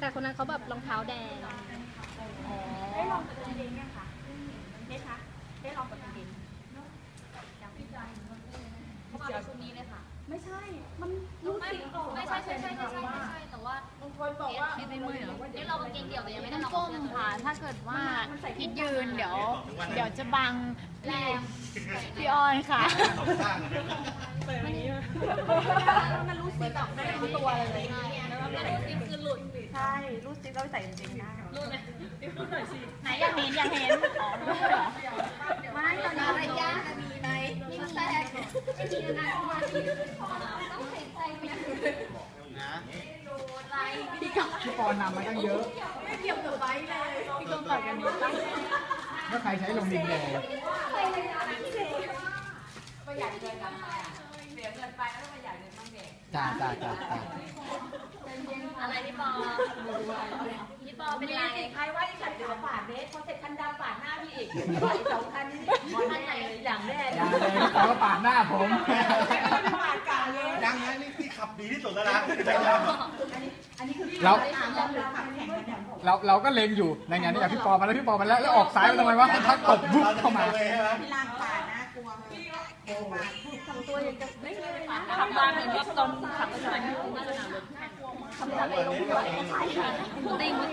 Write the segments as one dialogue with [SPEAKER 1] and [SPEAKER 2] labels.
[SPEAKER 1] แต่คนนั้นเขาแบบรองเท้าแดง
[SPEAKER 2] ได้ลองกับกางเกงยังคะได้คะได้ลองกับกางเกงเขามาเป็นชุดนี้เลยค่ะไม่ใช่มันรู้สิไม่ใช่แต่ว่าบางคนบอกว่าไม่เมื่อยเหรอได้ลองกางเกงเดี่ยวแต่ยังไม่ได้ลองก้มค่ะถ้าเกิดว่าพิดยืนเดี๋ยวจะบังแรงพี่ออนค่ะมันรู้สิแบบไม่รู้ตัวเลยแล้วรู้สิคือหลุดใช่รู้สิเราใส่จริงๆได้รู้ไหมรู้หน่อยสิไหนอยากเห็นอ๋อไม่ตอนนี้อะไรยากมีไหมมีแทรกไม่มีนะต้องใส่ใจไปนะ
[SPEAKER 3] พี่ปอนำมาตั้งเยอะ
[SPEAKER 2] ไม่เกี่ยวกับไว้เลยพี่ก็ต่อยกันนี้
[SPEAKER 3] ถ้าใครใช้ลงดินแดง
[SPEAKER 2] ประหยัดเงินกันไปเสียเงินไปแล้วประหยัดเงินบ้างเด็ก
[SPEAKER 3] จ้า
[SPEAKER 2] อะไรพี่ปอเป็นไรใครว่าที่ฉันเดือดปาดเบสพอเสร็จคันดำปาดหน้าพี่อีก2 คันนี้คันไหนอย่างแรก
[SPEAKER 3] เขาก็ปาดหน้าผม
[SPEAKER 2] ปาดกลางเลย
[SPEAKER 4] ยังนะนี่ขับดีที่สุดแล้วนะ
[SPEAKER 2] อันนี้คือ
[SPEAKER 3] เราก็เล็งอยู่ในงานนี้พี่ปอมาแล้วแล้วออกซ้ายไปทำไมวะทักตบบุกเข้ามา
[SPEAKER 2] พี่ล่างปาดนะกลัวทำตัวยังจะไม่ทำบ้านเหมือนว่าตอนขับรถไฟน่าจะหนาวเลยทำอะไรลงติง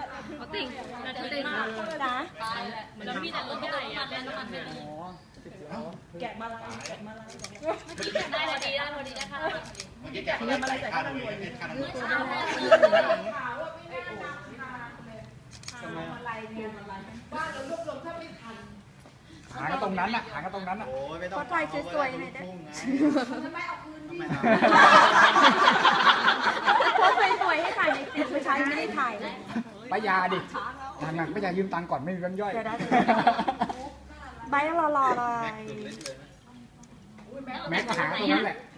[SPEAKER 2] นะแล้วพี่แต่รถไม่ได้อะน้ำมันไม่ดีแกะมาลายได้พอดีได้ค่ะ
[SPEAKER 4] เมื่อกี้แกะมาใส่ข้าวหน่วย
[SPEAKER 3] หาก็ตรงนั้นน่ะ
[SPEAKER 4] โอ้ยไม่ต้อง
[SPEAKER 2] ก็ถ่ายสวยๆเลยนะทำไมเอาคืนดิโพสสวยๆให้ถ่ายในคลิปไม่ใช่ไม่ได้ถ่าย
[SPEAKER 3] ป้ายาดิหนักป้ายายืมตังค์ก่อนไม่มีเงินย่อย
[SPEAKER 2] ใบรอเลย
[SPEAKER 3] แม็กก็หาตรงนั้นแหละ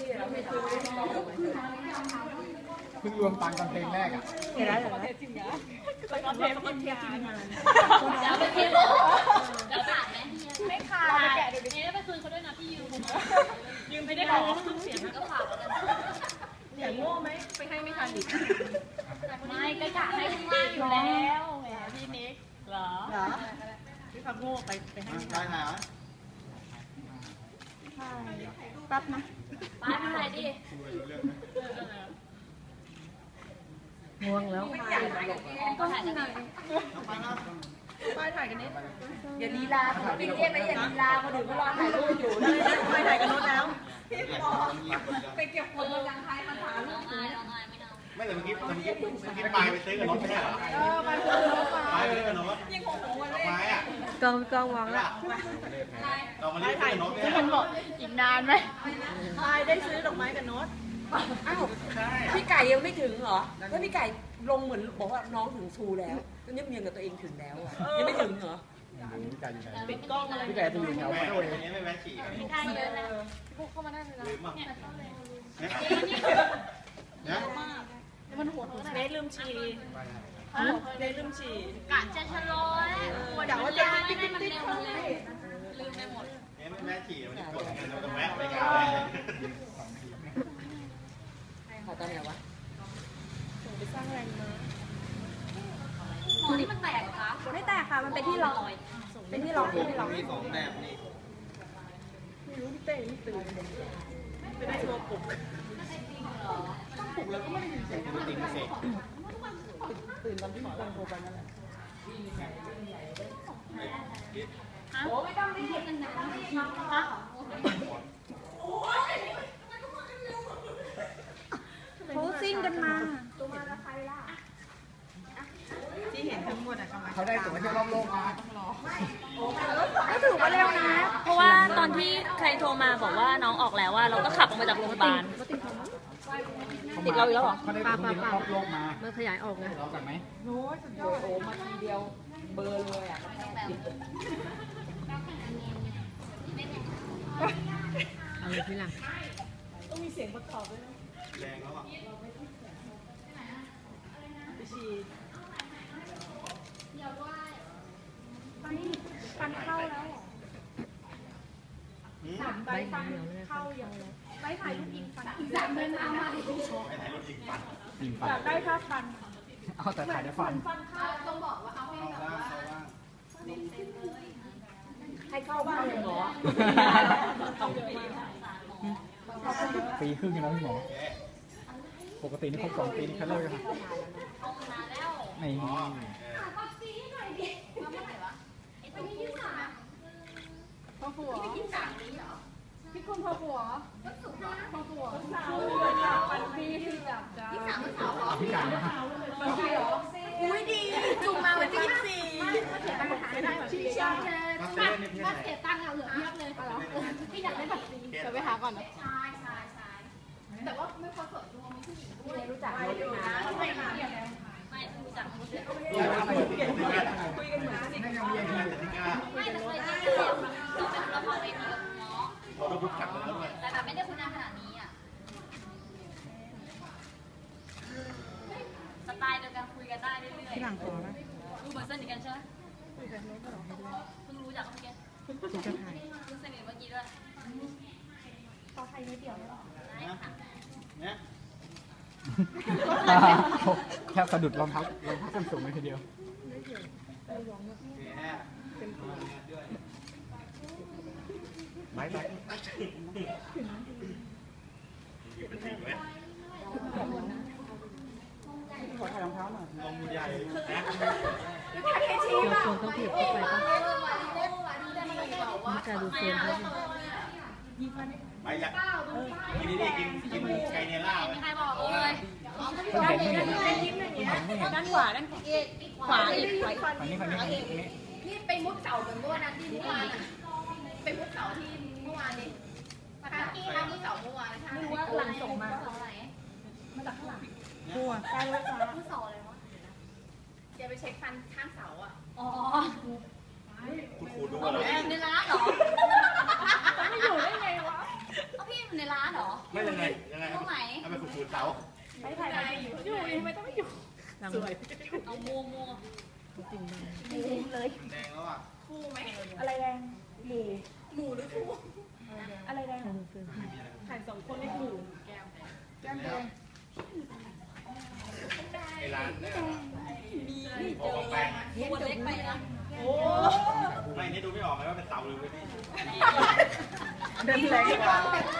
[SPEAKER 3] เพิ่งรวมตังค์กันเพลงแรกอ่ะ
[SPEAKER 2] เห็นแล้วตอนเทปมันเทียบจริงงานแล้วไปเทปแล้วขาดไหมไม่ขาดแกะเดี๋ยวนี้ไปคืนเขาด้วยนะพี่ยืมไม่ได้ขอเสียงก็ขาดอย่างโง่ไหมไปให้ไม่ทันดิไม่ก็กะให้ข้างล่างอยู่แล้วแหมพี่นิกเหรอพี่พักโง่ไปให้
[SPEAKER 4] ได้หา
[SPEAKER 2] แป๊บนะป้าทำอะไรดิง่วงแล้วก็ถ่ายกันนี่ป้าถ่ายกันนี่อย่าลีลาพี่เรียกนะอย่าลีลาคนอื่นก็รอถ่ายรูปอยู่ไม่ถ่ายกันโน้ตแล้วพี่ปอไปเก็บคนกำลังท้ายมาถามลูก
[SPEAKER 4] ไม่แต่เมื่อกี้ปลายไปซื้อกับรถไม่ใช่เหรอ
[SPEAKER 2] ไปซื้อรถ
[SPEAKER 4] ปลายไปซื้อกับรถ
[SPEAKER 2] ยังคงวัน
[SPEAKER 4] ไม้อ่ะ
[SPEAKER 1] กองวางละ
[SPEAKER 4] ดอกมะลิซื้อกับรถเนี่ย
[SPEAKER 1] คนบอกอีกนานไหม
[SPEAKER 2] พายได้ซื้อดอกไม้กับโน้ตอ้าวพี่ไก่ยังไม่ถึงเหรอแล้วพี่ไก่ลงเหมือนบอกว่าน้องถึงชูแล้วก็ยังกับตัวเองถึงแล้วอ่ะยังไม่ถึงเหรอปิดกล้องเลย
[SPEAKER 3] พี่ไก่จะอยู่แถวมาด้วย
[SPEAKER 4] นี้ไม่แวะฉี่
[SPEAKER 2] พี่ไก่เยอะนะ
[SPEAKER 1] พวกเข้ามาได้เลยนะ
[SPEAKER 4] เนี่ย
[SPEAKER 1] มันหัวเน
[SPEAKER 2] ลืมฉี่เนลืมฉี่
[SPEAKER 1] กะจะชะลอย
[SPEAKER 2] เดี๋ยวว่าจะติ๊กติ๊ก
[SPEAKER 1] ลืมไปหมด
[SPEAKER 4] เนี่ยไม่แวะฉี่มันจะกดเงินเราต้องแวะไปกัน
[SPEAKER 2] ขอตอนไหนวะไปสร้างแรงม้า
[SPEAKER 1] หมอนี่มันแตกเหรอคะ
[SPEAKER 2] ไม่แตกค่ะมันเป็นที่ล็อกเป็นที่ล็อก
[SPEAKER 4] มี2แบบนี่
[SPEAKER 2] ไม่รู้พี่เต้ไม่ตื่นไม่ได้ตัวปลุก
[SPEAKER 4] ปลุกแล้วก็ไม่ได้ยินเสียงจริงๆเสก
[SPEAKER 2] ตื่นตอนที่หมอโทรไปนั่นแหละโอ้ไม่ต้องรีบกันนะเขาซิ่งกันมาตัวมาแล้วใครล่ะที่เห็นทั้งหมดอะ
[SPEAKER 3] เขาได้ตั๋วเที่ยวรอบโลกมา
[SPEAKER 2] ก็ถือว่าเร็วนะเพราะว่าตอนที่ใครโทรมาบอกว่าน้องออกแล้วว่าเราก็ขับออกมาจากโรงพยาบาลติดเราอีกแล้วเหรอ
[SPEAKER 3] เขาได้ตั๋วรอบโลกมา
[SPEAKER 1] มันขยายออกไง
[SPEAKER 3] เรากันไหม
[SPEAKER 2] โน้ยสุดยอดโอ้มาทีเดียวเบอร์เลยอ่ะ
[SPEAKER 1] อะไรที่หลัง
[SPEAKER 2] ต้องมีเสียงประกอบด้วยนะ
[SPEAKER 4] แรงแล้วอ่ะ
[SPEAKER 2] ไปฉี่ฟันเข้าแล้วใบฟันเข้าอย่างใบถ่ายรูปยิงฟันอีก3 เดือนเอามา
[SPEAKER 4] ไปถ่ายรูปยิงฟัน
[SPEAKER 2] อยากได้ค่าฟัน
[SPEAKER 3] เอาแต่ถ่ายได้ฟัน
[SPEAKER 1] ต้องบอกว่าเขาให้แบบว่า
[SPEAKER 2] ให้เข้าบ้านเลยเหรอ
[SPEAKER 3] ปีครึ่งนะพี่หมอ ปกตินี่ครบ2 ปีนี่คัดเลิกกันไม่
[SPEAKER 2] พ่อผัวพี่คุณพ่อผัวพ่อผัววันปีที่แบบจ้า
[SPEAKER 3] พี่การนะ
[SPEAKER 2] วันปีเหรอ
[SPEAKER 1] อุ้ยดีจุ่มมาวันที่ชี้ช่างถ้าเสียตังค์เอาเหลือเพียบเลยพี่อยากได้แบบนี้
[SPEAKER 2] เดี๋ยวไปหาก่อนนะ
[SPEAKER 1] ใช่แต่ว่าไม่พอสดดวงมีผู้หญิงด้วย
[SPEAKER 2] รู้จักรถนะ
[SPEAKER 1] ไม่ค่ะ
[SPEAKER 2] ไม่รู้จักรถ
[SPEAKER 3] คุยกันเหมือนสนิทกัน
[SPEAKER 2] ไม่แต่เคยเจอเราเป็นละครเวทีกับคุณหมอ
[SPEAKER 4] เราต้องรู้จักกันแล้วด้วย
[SPEAKER 2] แต่แบบไม่ได้คุณนานขนาดนี้อ่ะสไตล์เดียวกันคุยกันได้เรื่อยๆ
[SPEAKER 1] ที่หลังขอนะ
[SPEAKER 2] ดูเหมือนสนิทกันใช่ไหมเพิ่งรู้จักเมื่อกี้
[SPEAKER 1] คุณจะถ่าย
[SPEAKER 2] เพิ่งสนิทเมื่อกี้ด้วย
[SPEAKER 4] เนี่ย
[SPEAKER 3] แค่สะดุดรองเท้าส้นสูงเลยทีเดียว ไม่ไป ขอถ่ายรองเท้าหน่อย
[SPEAKER 4] ลงใหญ่นะ
[SPEAKER 1] เราควรต้องเพียบเข้าไปป่ะมีการดูเฟรมด้วย
[SPEAKER 4] ไปอยากกินนี่กินไก่เนล่าไหม
[SPEAKER 2] ใครบอกเลย
[SPEAKER 1] ด้านขวาด้านขวาอีก
[SPEAKER 3] อันนี้
[SPEAKER 1] นี่ไปมุดเสาเหมือนเมื่อวันนั้นที่เมื่อวานไปมุดเสาที่เมื่อวานนี่นะคะที่ทำมุดเสาเมื่อวานไม่รู้ว่าหลังส่งมาไหนมาจากข้างหลัง
[SPEAKER 3] หัว
[SPEAKER 1] ใช่รถฟ้ามุดเสาอะไรวะเดี๋ยวไปเช็คฟันข้างเสาอ่ะ
[SPEAKER 2] อ๋อ
[SPEAKER 4] คุณครูดูว่าเรา
[SPEAKER 2] ในร้านเหรอ
[SPEAKER 1] ไม่อยู่ได้ไงวะ
[SPEAKER 2] เอาพี่อยู่ในร้านเหรอ
[SPEAKER 4] ไม่ยังไงทำไมคุณครูเต๋า
[SPEAKER 1] ไม่ถ่ายไปอยู่ทำไมต้องไม่อยู่สวย
[SPEAKER 2] เอามัวมัว
[SPEAKER 1] จริง
[SPEAKER 4] แดงแล้วอ่ะ
[SPEAKER 1] คู่ไหม
[SPEAKER 2] อะไรแดงหมู
[SPEAKER 1] หมูหรือคู่
[SPEAKER 2] อะไรแดง
[SPEAKER 1] ถ่าย2 คนในหมู่แก้มแก้มแดง
[SPEAKER 4] ไอ้ร้านเนี่ย
[SPEAKER 2] มีเจอตัวเล็กไปนะ
[SPEAKER 1] โอ้
[SPEAKER 4] ไม่นี่ดูไม่ออกเลยว่าเป็นเต๋าหรือเป็นนี่
[SPEAKER 1] เดินแรงกว่า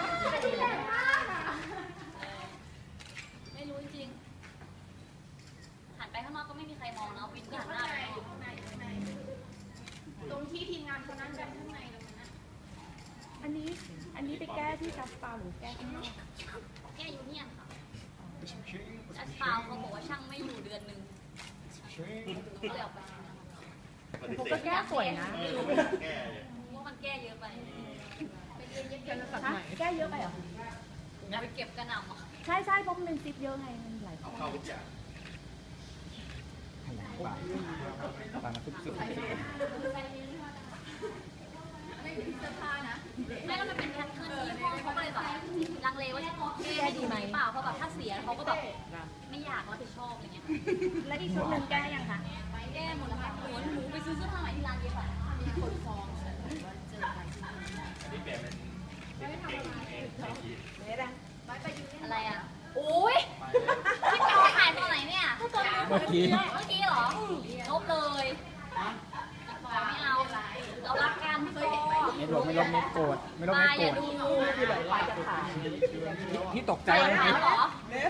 [SPEAKER 2] ไม่รู้จริงหันไปข้างนอกก็ไม่มีใครมองนะวินก็หันหน้าไป
[SPEAKER 1] ตรงที่ทีมงานเขานั่งกันข้างในตรงนั้นนะ
[SPEAKER 5] อันนี้ไปแก้ที่จัสปาหรือแก้ข้างนอก
[SPEAKER 2] แก้ยูเนียนค่ะจัดเปล่าเขาบอกว่าช่างไม่อยู่เดือนหนึ่งก็เลยออกไป
[SPEAKER 5] ผมก็แก้สวยนะ
[SPEAKER 4] แก้เลย
[SPEAKER 2] ว่ามันแก้เยอะไป
[SPEAKER 1] ไปเรียนเย็บ
[SPEAKER 5] ฮะแก้เยอะไปเหรอ
[SPEAKER 2] ไปเก็บกระหน่ำอ่ะ
[SPEAKER 5] ใช่ใช่เพราะมันเป็นซิปเยอะไงมันหลาย
[SPEAKER 4] เอาเข้าทุกอย่าง
[SPEAKER 3] ตามมาสุด
[SPEAKER 1] ไม่มีเสื้อผ้านะ
[SPEAKER 2] ไม่แล้วมันเป็นแพทเทิร์นที่ห้องเขาก็เลยแบบลังเลว่าจะแก้ดีไหมเปล่าเพราะแบบถ้าเสียเขาก็แบบไม่อยากรับผิดชอบอะไรเงี้ย
[SPEAKER 5] แล้วอีกชุดหนึ่งแก้ยังคะ
[SPEAKER 2] แก้หมดแล้วค่ะหนูไปซื้อเสื้อผ้าใหม่ที่ร้านเย็บอ่ะ
[SPEAKER 1] มีคนฟ้องเจอไป
[SPEAKER 4] อันนี้เปลี่ยนเป็นเก่งเอง
[SPEAKER 1] ไปไปยืน
[SPEAKER 2] อะไรอ่ะโอ้ยพี่ปอถ่ายตอนไหนเนี่ย
[SPEAKER 3] ๆเมื่อกี้
[SPEAKER 2] เมื่อกี้เหรอลบเลยไม่เอาเรารักกันพี่ปอ
[SPEAKER 3] ไม่ลบไม่โกรธไม่ลบ
[SPEAKER 2] ตา
[SPEAKER 3] ไม่
[SPEAKER 2] อ
[SPEAKER 3] โกร
[SPEAKER 2] ย่า
[SPEAKER 3] ธ
[SPEAKER 2] ดู
[SPEAKER 3] ที่ตกใจ
[SPEAKER 2] ใจ
[SPEAKER 3] เลย
[SPEAKER 2] หาเหรอ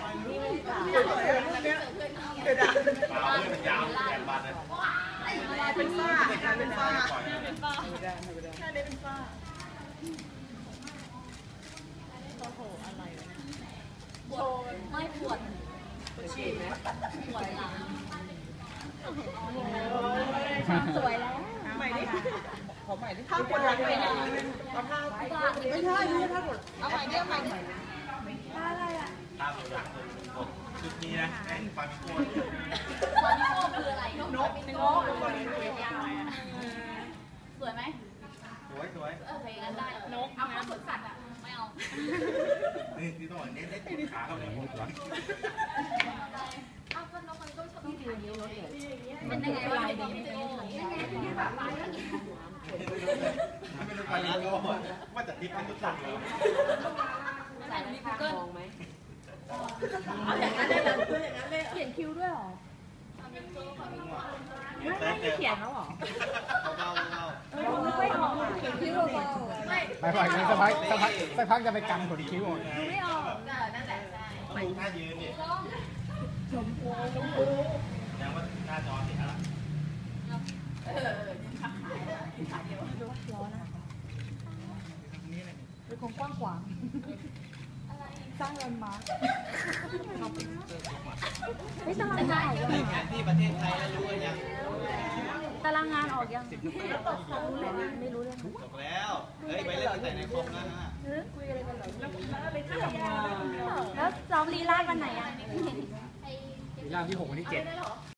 [SPEAKER 4] เปล่าเพื่อนมันยาวแปดบาทเลย
[SPEAKER 1] เป็นฝ้าเป็นฝ้า
[SPEAKER 2] เป็นป้า
[SPEAKER 1] หน้าเด็กเป็นฝ้า
[SPEAKER 2] ปวดไม่ปวดปวดหลัง
[SPEAKER 5] สวยแล้ว
[SPEAKER 1] ใหม่ดิ
[SPEAKER 2] ถ้าปวดหลังไปเนี่ยไม่ใช่ไม่ใช่ถ้าปวด
[SPEAKER 1] เอาใหม่เรียกใหม่
[SPEAKER 5] อะไรอ่ะ
[SPEAKER 4] ตามหลังชุดนี้นะไอ้ฟามิโก้
[SPEAKER 2] ตอนนี้โก้คืออะไรนก
[SPEAKER 1] เป็นโง่คนนี้ยาว
[SPEAKER 2] สวยไหม
[SPEAKER 4] สวยสวย
[SPEAKER 2] โอเคงั้นได้
[SPEAKER 1] นกเอาข้าวสดสัตว์อ่ะ
[SPEAKER 2] ไม่เอา
[SPEAKER 4] นี่ต้องเน้นขาเข้าไปหมดวะ
[SPEAKER 1] เอาก็นกมันก็ชอบที่ถ่ายเยอะเลย
[SPEAKER 2] เป็นยังไงวะพี่โก้
[SPEAKER 1] ที่แบบไป
[SPEAKER 4] ไม่รู้ฟามิโก้ว่าจะทิปเป็นตุ๊กตาเลย
[SPEAKER 2] ใส่ในกูเกิล
[SPEAKER 1] เอาอย่างนั้นเลยเพื่ออย่างนั้นเลย
[SPEAKER 5] เขียนคิวด้วยเหรอไม่เขียนแล้วหรอ
[SPEAKER 4] เบาๆเบา
[SPEAKER 5] ไม่ค่อยออกอ่ะ
[SPEAKER 1] ไม่
[SPEAKER 3] ไปไปสักพักจะไปกันขนคิ้วออก
[SPEAKER 5] ไม่ออก
[SPEAKER 1] นั่นแหละใช่
[SPEAKER 4] ๆดูท่ายืนดิยังว่าหน้าจอติดแล้ว
[SPEAKER 1] ยืนขับขายนะยืนขับเดียว
[SPEAKER 5] ร้อนนะเป็นคนกว้างขวางสร้างแลนด์มาร์คไม่ตารางงานออกยัง
[SPEAKER 4] แผนที่ประเทศไทยแล้วรู้กันยัง
[SPEAKER 5] ตารางงานออกยังไม่รู้เลย
[SPEAKER 4] จบแล้ว เฮ้ย ไปเล่นตั้งแต่ในคอมแล้วนะ
[SPEAKER 5] คุยอะไรกันเหรอแล้วซ้อมลีลาดวันไหนอ่ะ
[SPEAKER 3] ร่างที่6วันที่7